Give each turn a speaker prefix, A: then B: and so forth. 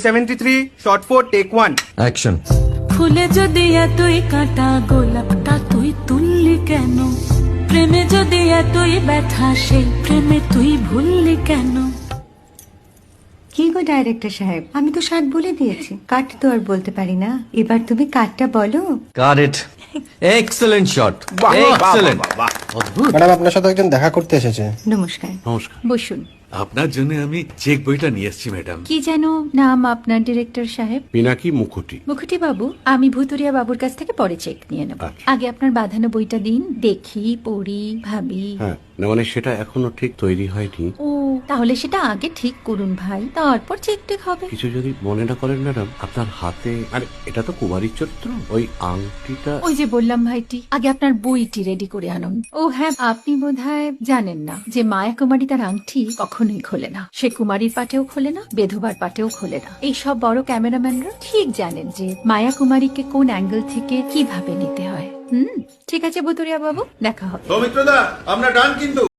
A: 73 shot 4 take 1
B: action.
C: ফুলে যদি এতই কাটা গোলাপটা তুই তুললি কেন? প্রেমে যদি এতই ব্যথা সেই প্রেমে তুই ভুললি কেন?
D: কি গো ডাইরেক্টর সাহেব, আমি তো 60 বলে দিয়েছি, কাট তো আর বলতে পারি না, এবার তুমি কাটটা বলো।
B: Got it. Excellent shot, excellent.
E: Madam আপনার সাথে একজন দেখা করতে এসেছে।
D: নমস্কার।
F: নমস্কার।
D: বসুন।
F: আপনার জন্য আমি চেক বইটা নিয়ে এসেছি ম্যাডাম।
D: কি যেন নাম আপনার ডিরেক্টর সাহেব?
F: পিনাকি মুখোটি।
D: মুখুটি বাবু, আমি ভুতুরিয়া বাবুর কাছ থেকে পরে চেক নিয়ে নেব।
F: আচ্ছা।
D: আগে আপনার বাঁধানো বইটা দিন, দেখি, পড়ি, ভাবি।
F: হ্যাঁ, না মানে সেটা এখনো ঠিক তৈরি হয়নি।
D: ও, তাহলে সেটা আগে ঠিক করুন ভাই, তারপর চেক টেক হবে।
F: কিছু যদি মনে না করেন ম্যাডাম, আপনার হাতে, আরে এটা তো কুমারীর চরিত্র, ওই আংটিটা।
D: ওই যে বললাম ভাইটি, আগে আপনার বইটি রেডি করে আনুন। ও হ্যাঁ, আপনি বোধহয় জানেন না যে মায়া কুমারী তার আংটি কখনোই খোলে না। সে কুমারীর পাটেও খোলে না, বেধবার পাটেও খোলে না। এই সব বড় ক্যামেরাম্যানরা ঠিক জানেন যে মায়া কুমারীকে কোন অ্যাঙ্গেল থেকে কিভাবে নিতে হয়। ঠিক আছে ভুতুরিয়া বাবু, দেখা হবে।
G: সৌমিত্রদা, আমরা ডান কিন্তু।